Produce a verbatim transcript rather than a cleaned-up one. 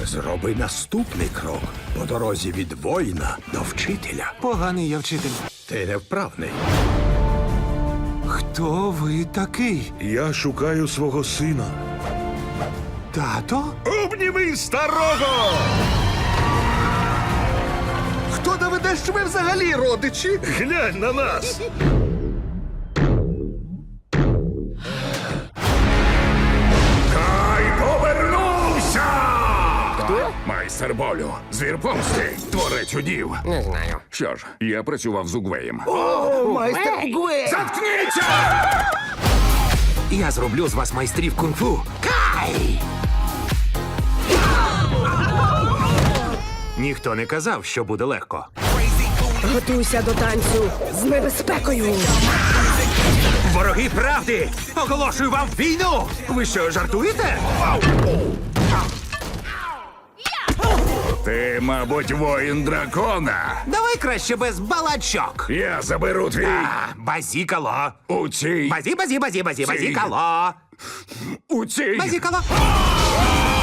Зроби наступний крок по дорозі від воїна до вчителя. Поганий я вчитель. Ти невправний. Хто ви такий? Я шукаю свого сина. Тато? Обніми старого! Хто доведе, що ми взагалі родичі? Глянь на нас! Кай повернувся! Хто? Майстер болю, звір помсти, творець удів. Не знаю. Що ж, я працював з Угвеєм. Майстер Гуе! Заткніться! Я зроблю з вас майстрів кунг-фу. Кай! Ніхто не казав, що буде легко. Готуйся до танцю з небезпекою. Вороги правди! Оголошую вам війну! Ви що, жартуєте? Ти, мабуть, воїн дракона. Давай краще без балачок. Я заберу твій А, базікало. у цій... Базі, базі, базі, базі, Ці. базікало. у цій... Базікало.